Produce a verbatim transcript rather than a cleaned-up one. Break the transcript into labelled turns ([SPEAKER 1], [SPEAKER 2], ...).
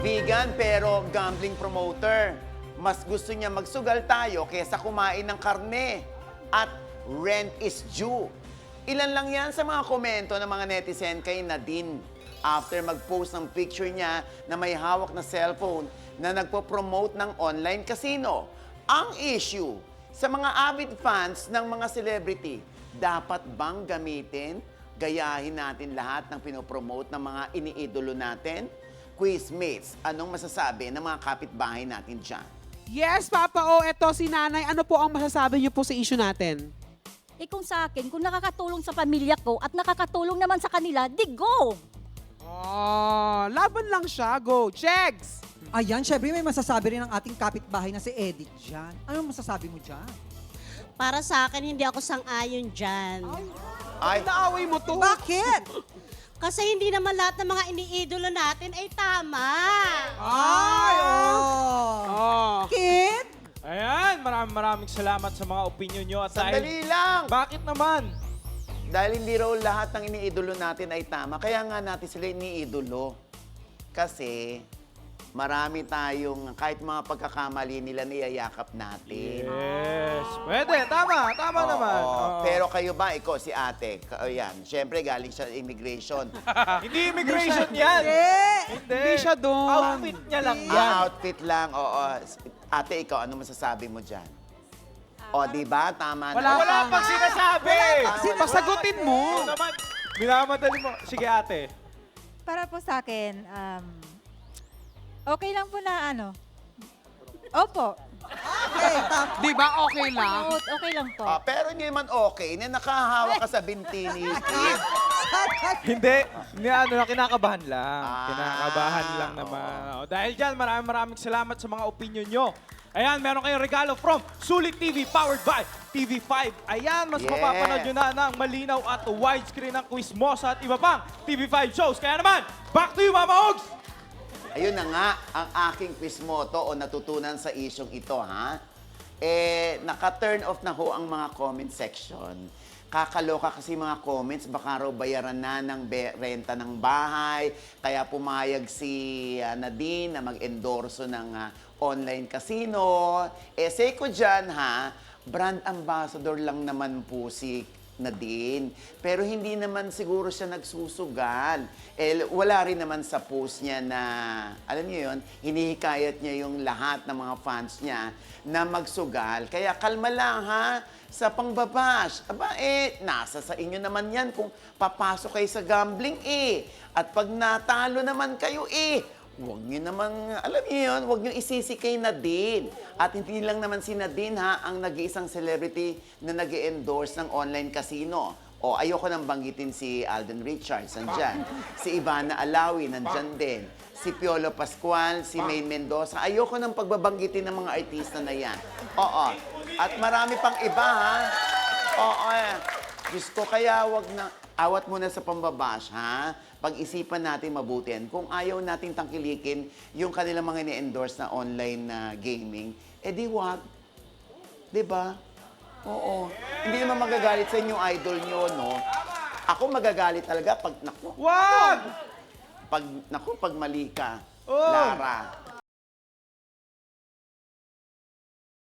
[SPEAKER 1] Vegan pero gambling promoter. Mas gusto niya magsugal tayo kaysa kumain ng karne. At rent is due. Ilan lang yan sa mga komento ng mga netizen kay Nadine after mag-post ng picture niya na may hawak na cellphone na nagpo-promote ng online casino. Ang issue, sa mga avid fans ng mga celebrity, dapat bang gamitin, gayahin natin lahat ng pinopromote ng mga iniidolo natin? Quizmates, anong masasabi ng mga kapitbahay natin dyan?
[SPEAKER 2] Yes, Papa O, eto si Nanay. Ano po ang masasabi niyo po sa issue natin?
[SPEAKER 3] Eh kung sa akin, kung nakakatulong sa pamilya ko at nakakatulong naman sa kanila, di go!
[SPEAKER 2] Oh, laban lang siya. Go, Jegs!
[SPEAKER 4] Ayan, syempre may masasabi rin ang ating kapitbahay na si Edith dyan. Anong masasabi mo dyan?
[SPEAKER 5] Para sa akin, hindi ako sang-ayon dyan.
[SPEAKER 1] Ay,
[SPEAKER 2] Naaway mo to.
[SPEAKER 4] Bakit?
[SPEAKER 5] Kasi hindi naman lahat ng mga iniidolo natin ay tama.
[SPEAKER 4] Ay, oh.
[SPEAKER 2] Oh.
[SPEAKER 4] Kid?
[SPEAKER 6] Ayan, maraming maraming salamat sa mga opinion nyo. At
[SPEAKER 1] sandali
[SPEAKER 6] dahil,
[SPEAKER 1] lang!
[SPEAKER 6] bakit naman?
[SPEAKER 1] Dahil hindi raw lahat ng iniidolo natin ay tama, kaya nga natin sila iniidolo. Kasi marami tayong, kahit mga pagkakamali nila, niyayakap natin.
[SPEAKER 6] Yes. Pwede, tama, tama
[SPEAKER 1] Oo,
[SPEAKER 6] naman. Oo.
[SPEAKER 1] Pero kayo ba, ikaw, si ate, ka- yan, syempre galing siya sa immigration.
[SPEAKER 6] Hindi immigration yan. Hindi.
[SPEAKER 2] Hindi siya doon.
[SPEAKER 6] Outfit niya lang yan.
[SPEAKER 1] Ah, outfit lang, oo. Ate, ikaw, ano masasabi mo dyan? O, di ba? Tama
[SPEAKER 2] Wala
[SPEAKER 1] na.
[SPEAKER 6] Wala pang sinasabi.
[SPEAKER 2] Pasagutin mo.
[SPEAKER 6] Ano naman? Minamadali mo. Sige, ate.
[SPEAKER 7] Para po sa akin, um, okay lang po na ano. Opo.
[SPEAKER 4] Okay, tap.
[SPEAKER 2] Di ba okay lang?
[SPEAKER 3] Out, okay lang po.
[SPEAKER 1] Ah, pero hindi naman okay na nakahawak ka sa binti ni Kid.
[SPEAKER 6] Hindi. Hindi, ano lang, kinakabahan lang.
[SPEAKER 1] Ah,
[SPEAKER 6] kinakabahan lang naman. O, dahil dyan, maraming maraming salamat sa mga opinion nyo. Ayan, meron kayong regalo from Sulit T V powered by T V five. Ayan, mas
[SPEAKER 1] Yeah.
[SPEAKER 6] mapapanood nyo na ng malinaw at widescreen ng Quizmosa at iba pang T V five shows. Kaya naman, back to you, Mama Ogs!
[SPEAKER 1] Ayun na nga, ang aking quiz motto o natutunan sa isyong ito, ha? Eh, naka-turn off na ho ang mga comment section. Kakaloka kasi mga comments, baka raw bayaran na ng be- renta ng bahay. Kaya pumayag si ah, Nadine na mag-endorso ng ah, online casino. Eh, say ko dyan, ha? Brand ambassador lang naman po si Nadine. Pero hindi naman siguro siya nagsusugal. Eh, wala rin naman sa post niya na, alam niyo yun, hinihikayat niya yung lahat ng mga fans niya na magsugal. Kaya kalma lang, ha? Sa pangbabash. Aba, eh, nasa sa inyo naman yan kung papasok kayo sa gambling, eh. At pag natalo naman kayo, eh, huwag niyo naman, alam niyo yun, huwag niyo isisi kay Nadine. At hindi lang naman si Nadine, ha, ang nag-iisang celebrity na nag endorse ng online casino. O, ayoko nang banggitin si Alden Richards, nandyan. Si Ivana Alawi, nandyan din. Si Piolo Pascual, si May Mendoza. Ayoko nang pagbabanggitin ng mga artista na yan. Oo. At marami pang iba, ha? Oo, eh. Diyos ko, kaya wag na, awat muna sa pambabash, ha? Pag-isipan natin mabuti yan. Kung ayaw nating tangkilikin yung kanilang mga ni-endorse na online na gaming, eh di wag. Diba? Oo. Hindi naman magagalit sa inyo idol nyo, no? Ako magagalit talaga pag, naku,
[SPEAKER 6] Wag!
[SPEAKER 1] pag, naku, pag mali ka,
[SPEAKER 6] Oh.
[SPEAKER 1] Lara.